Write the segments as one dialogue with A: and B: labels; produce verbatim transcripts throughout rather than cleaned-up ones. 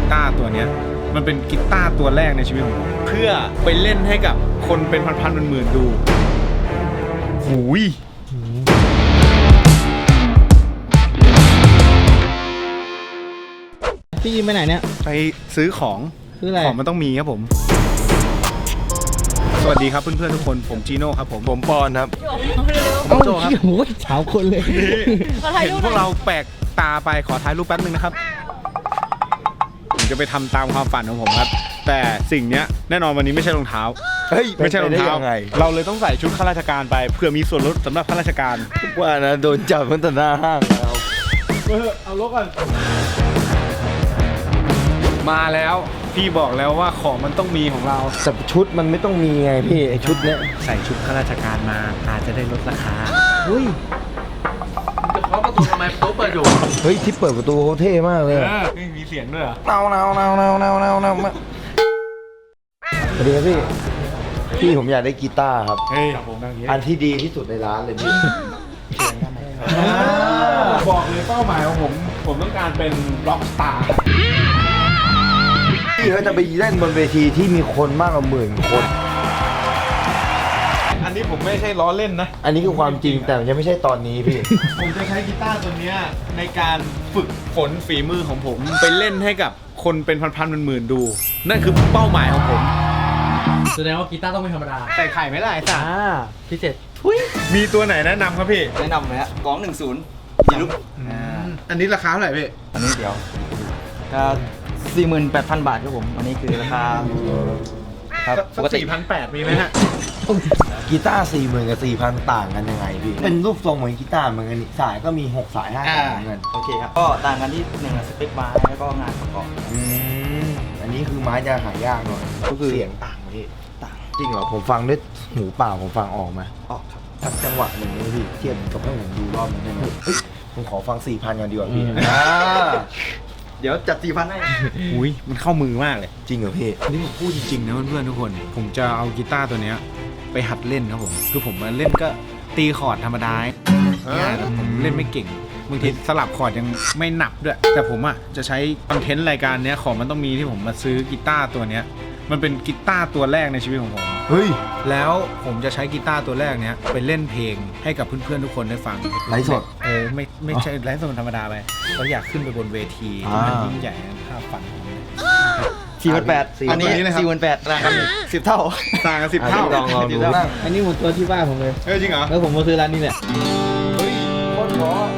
A: ตาร์ตัวเนี้ยมันเป็นกีตาร์ตัวแรกในชีวิตของผมเพื่อไปเล่นให้กับคนเป็นพันๆหมื่นๆดูหูย
B: พี่ยิมไปไหนเนี่ย
A: ไปซื้อของ
B: ซื้ออะไร
A: ของมันต้องมีครับผมสวัสดีครับเพื่อนๆทุกคนผมจีโน่ครับผมผมปอนครับผมโจครับ
B: โอ้ยสาวคนเลย
A: เห็นพวกเราแปลกตาไปขอถ่ายรูปแป๊บนึงนะครับผมจะไปทำตามความฝันของผมครับแต่สิ่งเนี้ยแน่นอนวันนี้ไม่ใช่รองเท้า
C: เฮ้ย
A: ไม่ใช่รองเท้าเราเลยต้องใส่ชุดข้าราชการไปเพื่อมีส่วนลดสำหรับข้าราชการ
C: ว่านะโดนจับตั้งแต่หน้าห้างแล้ว
A: เออเอาลบกันมาแล้วพี่บอกแล้วว่าของมันต้องมีของเรา
C: แต่ชุดมันไม่ต้องมีไงพี่ไอชุดเนี้ย
A: ใส่ชุดข้าราชการมาอาจจะได้ลดราคา
C: เฮ้ย
B: จะเคาะประตูทำไมประตูเปิดอยู่
C: เฮ้ยที่เปิดประตูเขาเท่มากเลย
A: ไม่มีเสียงด้วยเหรอ
C: เนาเนาเนาเนาเนาเนาเนามาสวัสดีครับพี่พี่ผมอยากได้กีตาร์ครับอันที่ดีที่สุดในร้านเลยพี่
A: บอกเลยเป้าหมายของผมผมต้องการเป็นร็อกสตาร์
C: พี่เขาจะไปเล่นบนเวทีที่มีคนมากกว่าหมื่นคน
A: อันนี้ผมไม่ใช่ล้อเล่นนะ
C: อันนี้คือความจริงแต่ยังไม่ใช่ตอนนี้พี่
A: ผมจะใช้กีตาร์ตัวนี้ในการฝึกฝนฝีมือของผมไปเล่นให้กับคนเป็นพันๆหมื่นๆดูนั่นคือเป้าหมายของผม
B: แสดงว่ากีตาร์ต้องไม่ธรรมดา
A: ใส่ไข่ไหมล่ะไอ้สัส
B: พิเศษทุย
A: มีตัวไหนแนะนำครับพี่
D: แนะนำเลยฮะกองหนึ่งศูนย์ยีรุป
A: อันนี้ราคาเท่าไหร่พี่
D: อันนี้เดี๋ยวก็สี่หมื่นแปดพันบาทครับผมอันนี้คือราคา
A: ครับปกติสี่พันแปดมีไหมฮะ
C: กีตาร์สี่หมื่นกับสี่พันต่างกันยังไงพี่เป็นรูปทรงเหมือนกีตาร์เหมือนกันสายก็มีหกสายห้าสายเหมือนกัน
D: โอเคครับก็ต่างกันที่หนึ่งสเปคไม้แล้วก็งานประกอบ
C: อืมอันนี้คือไม้จะหายากหน่อยก็คือเสียงต่างพี่ต่างจริงเหรอผมฟังด้วยหูเปล่าผมฟังออกไหม
D: ออกครับ
C: สักจังหวะหนึ่งนี่พี่เทียบกับให้ผมดูรอบนึงได้ไหมผมขอฟังสี่พันกันดีกว่าพี่
D: เดี๋ยวจัดสี่พันให้
A: อุ้ยมันเข้ามือมากเลย
C: จริงเหรอพี่
A: นี่ผมพูดจริงๆนะเพื่อนๆทุกคนผมจะเอากีตาร์ตัวเนี้ยไปหัดเล่นครับผมคือผมมาเล่นก็ตีคอร์ดธรรมดาเนี่ยแต่ผมเล่นไม่เก่งบางทีสลับคอร์ดยังไม่หนับด้วยแต่ผมอ่ะจะใช้คอนเทนต์รายการเนี้ยของมันต้องมีที่ผมมาซื้อกีตาร์ตัวเนี้ยมันเป็นกีตาร์ตัวแรกในชีวิตของผม
C: เฮ้ย
A: แล้วผมจะใช้กีตาร์ตัวแรกเนี้ยไปเล่นเพลงให้กับเพื่อนๆทุกคนได้ฟัง
C: ไลฟ์สด
A: เออไม่ไม่ใช่ไลฟ์สดธรรมดาไปเราอยากขึ้นไปบนเวทีที่มันยิ่งใหญ่ภาพฝันของผม
D: สี่พันแปดอันนี้สี่พันแปดต่างกันสิบเท่า
A: ต่างกันสิบเท่า
C: ลองลองดู
B: อันนี้หมดตัวที่บ้านผมเลย
A: เออจริงเหรอ
B: แล้วผมมาซื้อร้านนี้แหละ
C: เฮ้ยโคตรเพราะ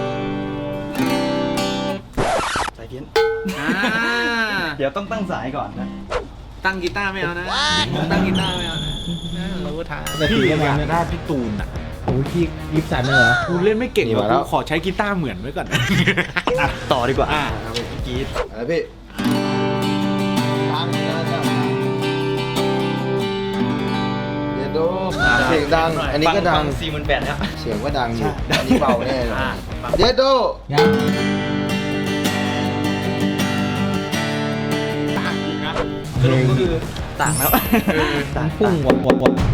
D: สายเพี้ยนเดี๋ยวต้องตั้งสายก่อนนะ
A: ตั้งกีตาร์ไม่เอานะตั้งกีตาร์ไม่เอานะเราก็ท้าพี่อยากได้พี่ตูนอ่ะ
B: โอ้ยพี่ลิปสันเหรอ
A: กูเล่นไม่เก่งกูขอใช้กีตาร์เหมือนไว้ก่อน
D: ต่อดีกว่า
A: อ่า
C: กีตอะไรพี่เดี๋ยวดูเสียงดังอันนี้ก็ดัง
D: สี่หมื่นแปดแล้ว
C: เสียงก็ดังอยู่อันนี้เบาแน่เลยเดี๋ยวดู
D: สรุปก็คือต่างแล้ว
B: ต่างพุ่งวัดวัดวัด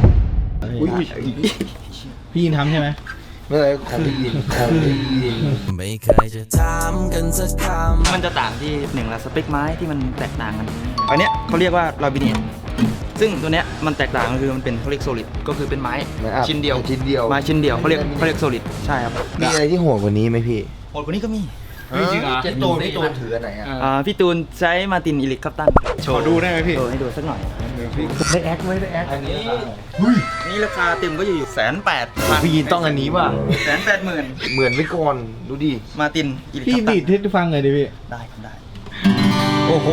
B: พี่ยินทำใช่ไหม
C: ไม่เลยของพี่ยินของพี่ยิน
D: ไม่เคยจะทำกันสักคำมันจะต่างที่หนึ่งละสเปคไม้ที่มันแตกต่างกันอันเนี้ยเขาเรียกว่าลาบิเนียซึ่งตัวเนี้ยมันแตกต่างก็คือมันเป็นเขาเรียกโซลิดก็คือเป็นไม้ชิ้นเดียว
C: ชิ้นเดียว
D: ไม้ชิ้นเดียวเขาเรียกเขาเรียกโซลิดใช่ครับ
C: มีอะไรที่โหดกว่านี้ไหมพี่
D: โหดกว่านี้ก็มี
C: จริงเหรอพี่ตูนพี่ตูนถืออันไหน
D: อ่ะพี่ตูนใช้มาตินอิลิคคัปตัน
A: ขอดูได้ไหมพี่
D: โชว์ให้ดูสักหน่อย
C: ได้แอคไหมได้แอค
D: อันนี้นี่ราคาเต็มก็อยู่แสนแปด
C: พี่ยินต้องอันนี้ป่ะ
D: แสนแปดหมื่น
C: เหมือนไม่ก่อนดูดิ
D: มาตินอิลิคคั
B: ปตันพี่ดีดให้ฟังเลยดิพี่
D: ได้ครับได้
C: โอ้โห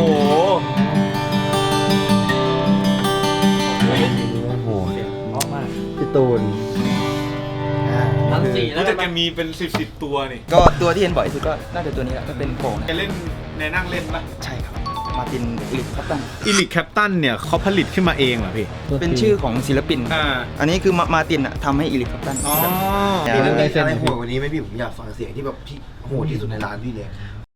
C: โอ้โหเพราะมากพี่ตูน
A: ทั้งสี่แล้วแต่แกมีเป็นสิบสิบตัวนี่
D: ก็ตัวที่เห็นบ่อยสุดก็น่าจะตัวนี้แหละก็เป็นโป่ง
A: แกเล่นในนั่งเล่นปะ
D: ใช่ครับมาตินอิลิคแคปตัน
A: อิลิคแคปตันเนี่ยเขาผลิตขึ้นมาเองเหรอพี่
D: เป็นชื่อของศิลปินอ่าอันนี้คือมาตินอ่ะทำให้อิลิคแคปตัน
C: อ๋อมีอะไรโหดกว่านี้ไหมพี่ผมอยากฟังเสียงที่แบบที่โหดที่สุดในร้านพี่เลย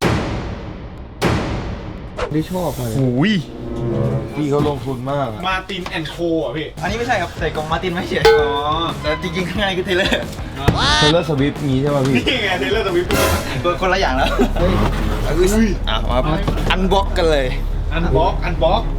B: ได้ชอบเลย
A: หูย
C: พี่เขาลงทุนมาก
A: มาตินแอนโคอ่ะพี่
D: อันนี้ไม่ใช่ครับใส่กล่องมาตินไม่เฉยอ๋อแต่จริงๆข้างในคือเทเลอร์
C: เทเลอร์สวิฟต์งี้ใช่ไหมพี่
A: นี่ไงเทเลอร์สวิฟต์
D: ตัวคนละอย่างแล้ว
C: เฮ้ยอ่ะมา
D: อันบ็อกกันเลย
A: อันบล็อกอันบล็อก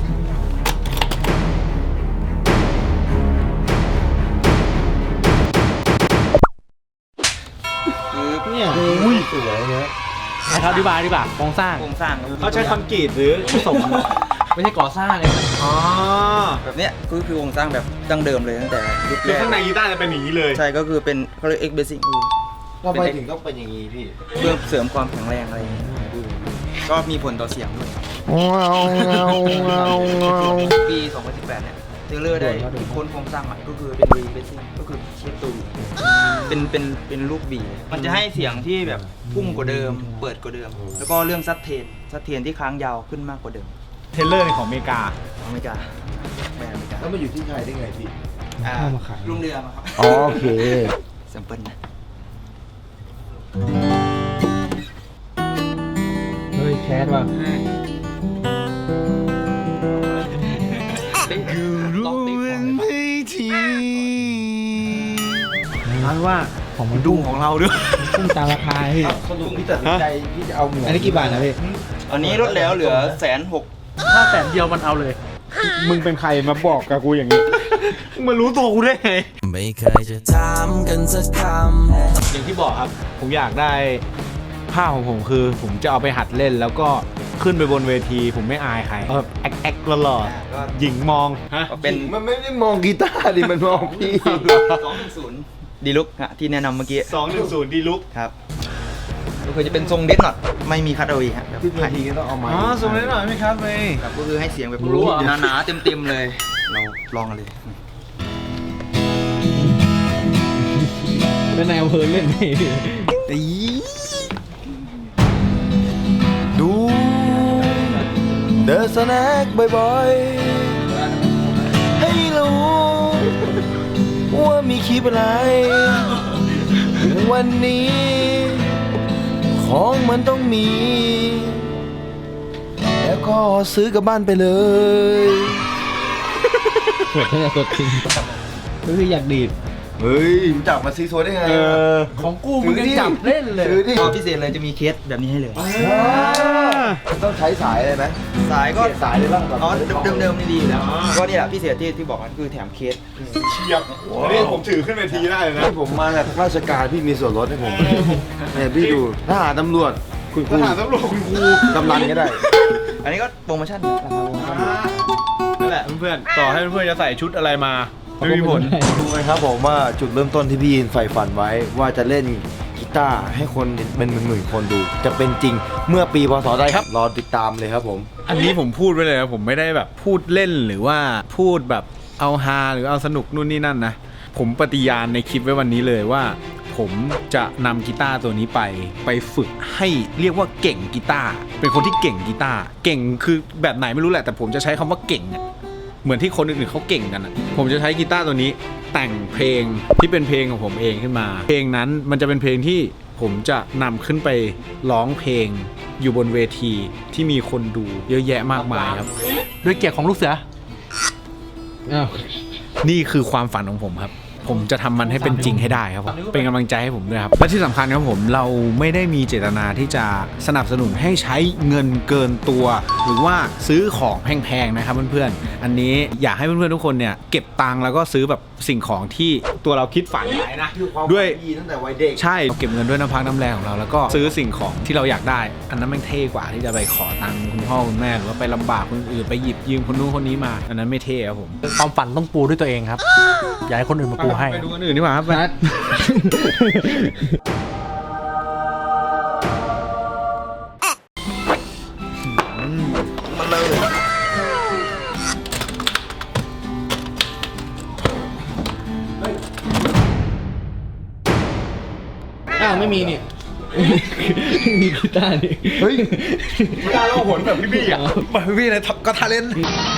B: เนี่ย
C: อุ้ยสวยนะ
B: ให้เขาอธิบายดีกว่าโครงสร้าง
D: โครงสร้างครับ
A: เขาใช้คอนกรีตหรือผสม
B: ไม่ใช่ก่อสร้างเลย
A: อ๋อ
D: แบบเนี้ยคือคือโครงสร้างแบบดั้งเดิมเลยตั้งแต่ยุค
A: คื
D: แร
A: อก ข้างในกีตาร์จะเป็นอย่างนี้เลย
D: ใช่ก็คือเป็นเขาเรียก X Basic คือ
C: ทำไมถึงต้องเป็นอย่างนี้พี่
D: เพื่อเสริมความแข็งแรงอะไรอย่างเงี้ยก็มีผลต่อเสียงด้วย
C: ว้าวว้าวว้าวว้าว
D: ปีสองพันสิบแปดเนี่ยเทเลอร์ได้คิดค้นโครงสร้างใหม่ก็คือเป็น V Basic ก็คือเชฟตูเป็นเป็นเป็นลูกบีมันจะให้เสียงที่แบบพุ่งกว่าเดิม เปิดกว่าเดิม แล้วก็เรื่องซัดเทนซัดเทนที่ค้างยาวขึ้นมากกว่าเดิม
A: เทเลอร์ของอเมริกา
D: อเมริกาแม่อเมริกา
C: แล้วมาอยู่ที่ไทยได้ไงพี่
D: อ่า
B: เข้ามาขาย
D: ลุงเรือมาครับ
C: อ๋อโอเค
D: แซมเปิลนะ
B: เฮ้ยแคสว่ะ
A: นั้นว่า
B: ของมัน
A: ดุงของเราด้วย
B: พุ่งตามราคาพี่
C: สรุปพี่ตัดสินใจพี่จะเอาหมวก
B: อันนี้กี่บาทนะพี่
D: อันนี้ลดแล้วเหลือแสนหก
B: ถ้าแสนเดียวมันเอาเลย
A: มึงเป็นใครมาบอกกับกูอย่างนี้ มึงมารู้ตัวกูได้ไง
E: ไม่เคยจะถามกันสักค
A: อย่างที่บอกครับ ผมอยากได้ภาพของผมคือ ผมจะเอาไปหัดเล่นแล้วก็ขึ้นไปบนเวที ผมไม่อายใครแบบแอคแอคหล่อๆหญิงมองฮะ
D: ก็เป็น
C: มันไม่ได้มองกีตาร์ดิมันมองพี่
D: สองหนึ่งศูนย์ดีลุกฮะที่แนะนำเมื่อกี้
A: สองหนึ่งศูนย์ดีลุก
D: ครับก็คือจะเป็นทรงเดสหน่อยไม่มีคัตเอาอีฮะแบบ
C: ขึ้นเวทีก็ต้องเอาไม้
A: อ๋อส่งได้หน่อยไหมครับเมย์
D: ครับก็คือให้เสียงแบบ
B: รู้เหรอ
D: หนาๆเต็มๆเลย เราลองกันเลย
B: เป็นนายอำเภอเล่นนี่พี่
C: ดูเดอะสแน็คบ่อยๆให้รู้ว่ามีคลิปอะไร วันนี้ ของมันต้องมี แล้วก็ซื้อกลับบ้านไปเลย
B: สดเนี่ยสดจริงก็คืออยากดีด
C: เฮ้ยรู้จักมาซีโซได้ไง
A: เออ
B: ของกูมึงยังจับเล่นเลย
C: ซื้อดิ
D: พอพิเศษเลยจะมีเคสแบบนี้ให้เลย
C: ต้องใช้สายเลยไหม
D: สายก็
C: เปลี่ยนสายเลยบ้างแบบ
D: อ๋อเดิมเดิมๆนี่ดีอยู่แล้วก็เนี่ยแหละพิเศษที่ที่บอกกันคือแถมเคส
A: เชียบอันนี้ผมถือขึ้นเวทีได้เลยนะ
C: ที่ผมมาจากราชการพี่มีส่วนลดให้ผมเนี่ยพี่ดูทหารตำรวจคุณค
A: ท
C: รู
A: หารตำรวจคุณครู
C: กำนันก็ได้
D: อันนี้ก็โปรโมชั่นราคาโปรโมชั่น
A: นั่นแหละเพื่อนๆต่อให้เพื่อนๆจะใส่ชุดอะไรมาไม่มีผล
C: ดูไหมครับผมว่าจุดเริ่มต้นที่พี่ยินใฝ่ฝันไว้ ว่าจะเล่นกีตาร์ให้คนเป็นหมื่นๆคนดู จะเป็นจริงเมื่อปีพศใดครับ รอติดตามเลยครับผม
A: อันนี้ผมพูดไว้เลยนะผมไม่ได้แบบพูดเล่นหรือว่าพูดแบบเอาฮาหรือเอาสนุกนู่นนี่นั่นนะผมปฏิญาณในคลิปไว้วันนี้เลยว่า ผมจะนำกีตาร์ตัวนี้ไปไปฝึกให้เรียกว่าเก่งกีตาร์เป็นคนที่เก่งกีตาร์เก่งคือแบบไหนไม่รู้แหละแต่ผมจะใช้คำว่าเก่งอะเหมือนที่คนอื่นๆเขาเก่งกันอะผมจะใช้กีตาร์ตัวนี้แต่งเพลงที่เป็นเพลงของผมเองขึ้นมา เพลงนั้นมันจะเป็นเพลงที่ผมจะนำขึ้นไปร้องเพลงอยู่บนเวทีที่มีคนดูเยอะแยะมากมายครับด้วยเกียรติของลูกเสือ
B: อ้าว
A: นี่คือความฝันของผมครับ ผมจะทำมันให้เป็นจริงให้ได้ครับผม เป็นกำลังใจให้ผมด้วยครับ และที่สำคัญครับผม เราไม่ได้มีเจตนาที่จะสนับสนุนให้ใช้เงินเกินตัว หรือว่าซื้อของแพงๆนะครับเพื่อนๆ อันนี้อยากให้เพื่อนๆทุกคนเนี่ยเก็บตังค์แล้วก็ซื้อแบบสิ่งของที่ตัวเราคิดฝันไว้นะ ด้วย
C: ดีตั้งแต่วัยเด็ก
A: ใช่เก็บเงินด้วยน้ำพักน้ำแรงของเราแล้วก็ซื้อสิ่งของที่เราอยากได้ อันนั้นแม่งเท่กว่าที่จะไปขอตังค์คุณพ่อคุณแม่หรือว่าไปลำบากคนอื่นไปหยิบยืมคนนู้นคนนี้มา อันนั้นไม่เท่ครับผม
F: ความฝันต้องปูด้วยตัวเองครับ อย่าให้คนอื่นมาปูให้
A: ไปดูคนอื่นดีกว่าครับ
B: นัด
D: มันเลย
B: อ้าวไม่มีนี่ มีกีตาร์นี่
C: เฮ้ย
A: กีตาร์เราหนแบบพี่บี้อ่ะแบบพี่บี้เลยก็ทาเลน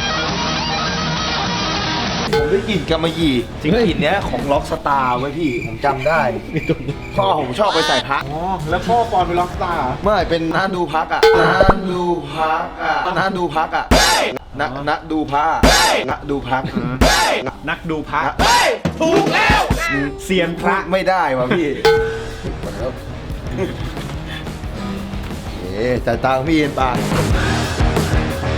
C: ผมได้กลิ่นกำมะหยี่จริงกลิ่นเนี้ยของล็อกสตาร์ไว้พี่ ผมจำได้ พ่อผมชอบไปใส่พัก
A: อ๋อแล้วพ่อปอนเป็นล็อกสตาร์
C: เมื่อไหร่เป็นน้าดูพักอ่ะน้าดูพักอ่ะน้าดูพักอ่ะน้าน้าดูพักน้าดูพัก
A: นักดูพระถูกแล้วเซียนพ
C: พ
A: ระ
C: ระไม่ได้ว่ะพี่เอ๊ะจ่ายตังค์พี่เย็นปาก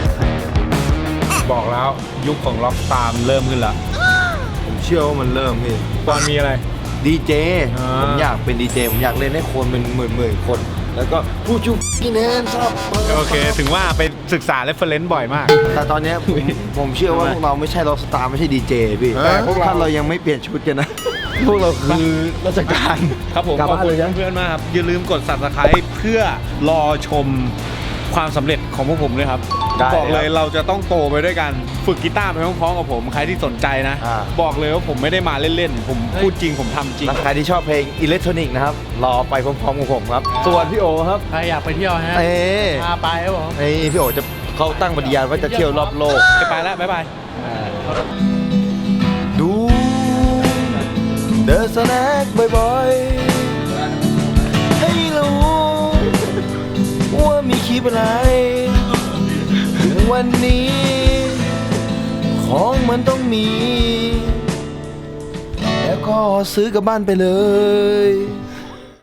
A: แล้วยุคของล็อกสตาร์มันเริ่มขึ้นละ
C: ผมเชื่อว่ามันเริ่มพี่
A: ตอนมีอะไร
C: ดีเจ
A: อ่า
C: ผมอยากเป็นดีเจผมอยากเล่นให้คนเป็นหมื่นหมื่นๆคน แล้วก็ผู้ชุบพี่แนนซับ
A: โอเค ถึงว่าไปศึกษาเรฟเฟรนซ์บ่อยมาก
C: แต่ตอนเนี้ยผมผมเชื่อว่าพวกเราไม่ใช่ล็อกสตาร์ไม่ใช่ดีเจพี่
A: แต่พวกเรา
C: ถ้าเรายังไม่เปลี่ยนชุดกันนะ พวกเราคือราชการ
A: ครับผม
C: กลับ
A: ขอบ
C: บ้าน
A: คุ
C: เล
A: ณ
C: ยนะ
A: เพื่อนๆมากครับ อย่าลืมกด Subscribe เพื่อรอชมความสำเร็จของพวกผมด้วยครับ
C: ได้
A: บอกเลย
C: ครับ
A: เราจะต้องโตไปด้วยกันฝึกกีตาร์ไปพร้อมๆกับผม ใครที่สนใจนะ
C: อ่า
A: บอกเลยว่าผมไม่ได้มาเล่นๆ ผมพูดจริงผมทำจริง
C: และใครที่ชอบเพลงอิเล็กทรอนิกส์นะครับ รอไปพร้อมๆกับผมครับ ส่วนพี่โอครับ
F: ใครอยากไปเที่ยวฮะ
C: เอ้
F: พาไปครับผม
C: ไอ้พี่โอจะเขาตั้งปฏิญาณว่าจะเที่ยวรอบโลก
A: ไปแล้ว บ๊ายบาย
C: ดูเดอะสแน็คบ่อยๆ ให้รู้ว่ามีคลิปอะไร วันนี้ ของมันต้องมี แล้วก็ซื้อกลับบ้านไปเลย